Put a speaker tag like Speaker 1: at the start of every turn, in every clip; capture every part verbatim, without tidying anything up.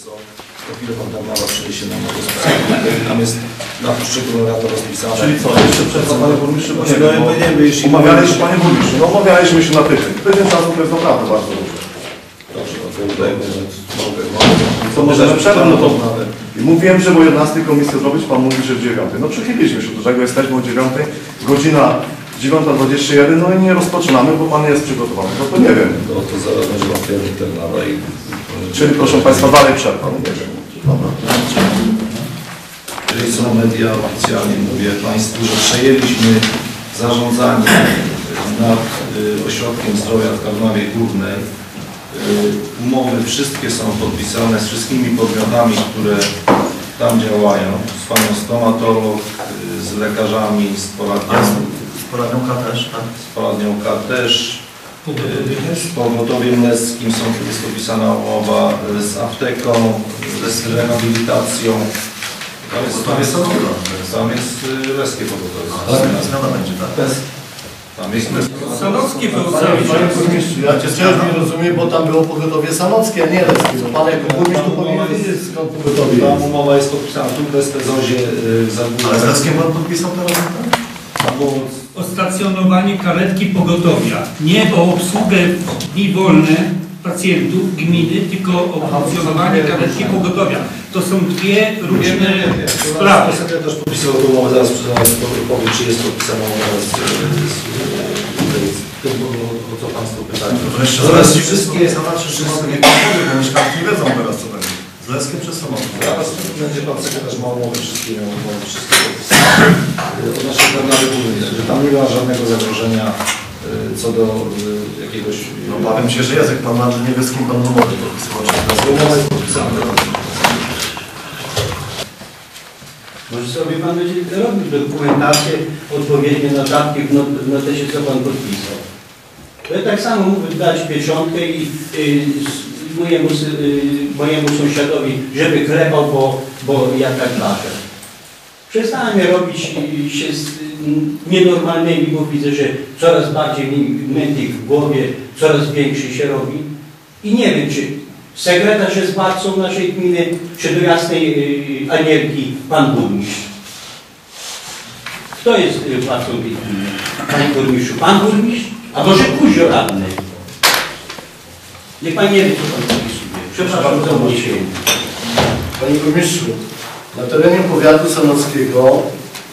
Speaker 1: są, to chwilę pan tam mała przejdzie na nowo sposób. Tam jest na poszczególne lata rozpisane.
Speaker 2: Czyli co, jeszcze przed co, panie burmistrzu?
Speaker 1: No, no, no, nie wiem, jeśli
Speaker 2: umawialiśmy, panie burmistrzu, no umawialiśmy się na tydzień. Tydzień czasu to jest naprawdę bardzo dużo.
Speaker 1: Dobrze, no to udajmy, że mogę, mogę.
Speaker 2: Co możemy przerwać? No to mówiłem, że o jedenastej komisję zrobić, pan mówi, że w dziewiątej. No przychyliliśmy się do tego, jesteśmy o dziewiątej, godzina dziewiąta dwadzieścia jeden, no i nie rozpoczynamy, bo pan nie jest przygotowany. No to nie wiem.
Speaker 1: No to zaraz będzie pan wtedy ten dalej.
Speaker 2: Czyli proszę państwa, dalej przerwa. No nie wiem. Dobra.
Speaker 1: Jeżeli są media oficjalnie, mówię państwu, że przejęliśmy zarządzanie nad y, ośrodkiem zdrowia w Tarnowie Górnej. Y, umowy wszystkie są podpisane z wszystkimi podmiotami, które tam działają, z panią stomatolog, y, z lekarzami, z poradnią,
Speaker 2: Z poradnią K też, tak?
Speaker 1: z poradnią K też, y, z pogotowiem leskim są, jest podpisana umowa, y, z apteką, y, z rehabilitacją. Tam jest, tam jest, tam jest y, leskie pogotowie.
Speaker 2: Zmiana będzie, tak?
Speaker 1: Tam jest
Speaker 3: Sanocki był
Speaker 4: Panie burmistrzu, ja cię też nie rozumiem, bo tam było pogotowie sanockie, a nie leskie. No pan jako burmistrz to powinien wiedzieć, skąd pogotowie
Speaker 1: Tam
Speaker 4: jest.
Speaker 1: umowa jest podpisana tu w Bezpezozie y, za
Speaker 2: Ale z Leskiem pan podpisał teraz?
Speaker 1: Tam było
Speaker 3: o stacjonowanie karetki pogotowia. Nie o obsługę w dni wolne pacjentów gminy, tylko o funkcjonowanie karetki pogotowia. To są dwie różne sprawy.
Speaker 1: Sekretarz podpisał tę umowę, zaraz powiem, czy jest podpisana umowa z, z, z tym, o co państwo pytają.
Speaker 2: Zaraz wszystkie jest na nasze wszystkie nie powiem, bo mieszkańcy nie wiedzą teraz co będzie. Z Leskiem przez samochód.
Speaker 1: Zaraz będzie pan sekretarz ma umowy wszystkie, miał umowy wszystkie podpisane. Od naszej Tarnowy Górnej, że tam nie ma żadnego zagrożenia co do jakiegoś...
Speaker 2: No bawię się, że Jacek pan ma, że nie wie z kim pan umowy podpisywał.
Speaker 1: Umowa jest podpisana.
Speaker 5: Może sobie pan będzie robił dokumentację, odpowiednie notatki w, not w notesie, co pan podpisał. To ja tak samo mógłbym dać pieczątkę i y, mojemu, y, mojemu sąsiadowi, żeby klepał, bo, bo ja tak lażę. Przestałem robić y, się z y, nienormalnymi, bo widzę, że coraz bardziej mi mętlik w głowie, coraz większy się robi. I nie wiem, czy sekretarz jest władcą naszej gminy, czy do jasnej y, Anielki pan burmistrz. Kto jest y, władcą tej gminy? Panie burmistrzu, pan burmistrz? A może Kuzio radny? Niech pan nie wie, co pan podpisuje. Przepraszam za mój się.
Speaker 4: Panie burmistrzu, na terenie powiatu sanockiego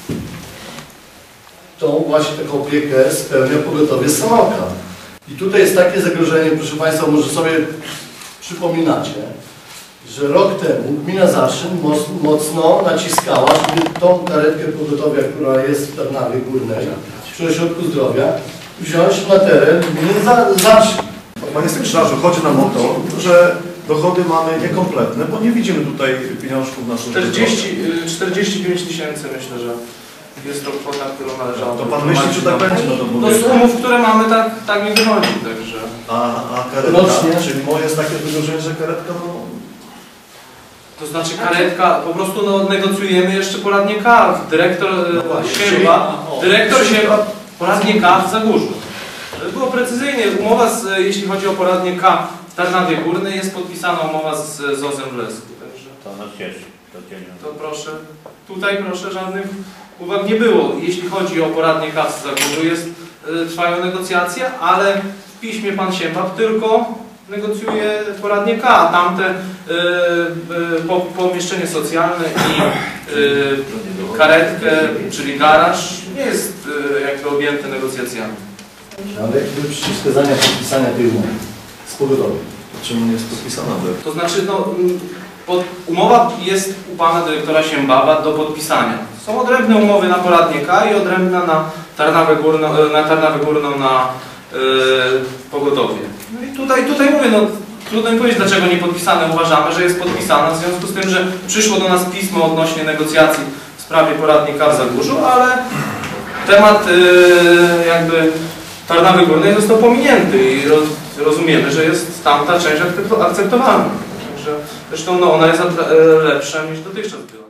Speaker 4: tą właśnie taką opiekę spełnia pogotowie Sanoka. I tutaj jest takie zagrożenie, proszę państwa, może sobie przypominacie, że rok temu gmina Zaszyn mocno naciskała, żeby tą karetkę pogotowia, która jest w Tarnowie Górnej, przy ośrodku zdrowia, wziąć na teren gminy Zaszyn.
Speaker 2: Panie sekretarzu, chodzi nam o to, że dochody mamy niekompletne, bo nie widzimy tutaj pieniążków naszych.
Speaker 6: czterdzieści pięć tysięcy myślę, że jest to kwota, którą należało.
Speaker 2: To pan myśli, że tak będzie? No to
Speaker 6: do
Speaker 2: mówię.
Speaker 6: sumów, które mamy, tak, tak nie wychodzi, także.
Speaker 2: A, a karetka,
Speaker 4: Rocznie.
Speaker 2: czyli moje jest takie wydarzenie, że karetka, no...
Speaker 6: To znaczy karetka, po prostu no, negocjujemy jeszcze poradnie K. Dyrektor
Speaker 2: właśnie,
Speaker 6: Sięba,
Speaker 2: czyli- o,
Speaker 6: dyrektor
Speaker 2: czyli-
Speaker 6: Sięba, poradnie K w Zagórzu. To było precyzyjnie, umowa, z, jeśli chodzi o poradnie K w Tarnowie Górnej, jest podpisana umowa z, z O Z em w Lesku. Także
Speaker 5: To nas cieszy.
Speaker 6: to proszę, tutaj proszę, żadnych uwag nie było. Jeśli chodzi o poradnie K w Zagórzu, jest, y, trwają negocjacje, ale w piśmie pan Siębab tylko negocjuje poradnie K, a tamte y, y, po, pomieszczenie socjalne i y, karetkę, czyli garaż, nie jest y, jakby objęte negocjacjami.
Speaker 4: Ale jakby przeciwwskazania podpisania tej umowy z pogotowiem.
Speaker 2: Czemu nie jest podpisana?
Speaker 6: To znaczy, no, pod, umowa jest u pana dyrektora Siębaba do podpisania. Są odrębne umowy na poradnie K i odrębna na Tarnowę Górną, na, Tarnowę Górną na yy, pogotowie. No i tutaj, tutaj mówię, no, trudno mi powiedzieć, dlaczego nie podpisane. Uważamy, że jest podpisana, w związku z tym, że przyszło do nas pismo odnośnie negocjacji w sprawie poradni K w Zagórzu, ale temat yy, jakby Tarnowy Górnej został pominięty i roz, rozumiemy, że jest tamta część akceptowalna. Także, zresztą no, ona jest lepsza niż dotychczas była.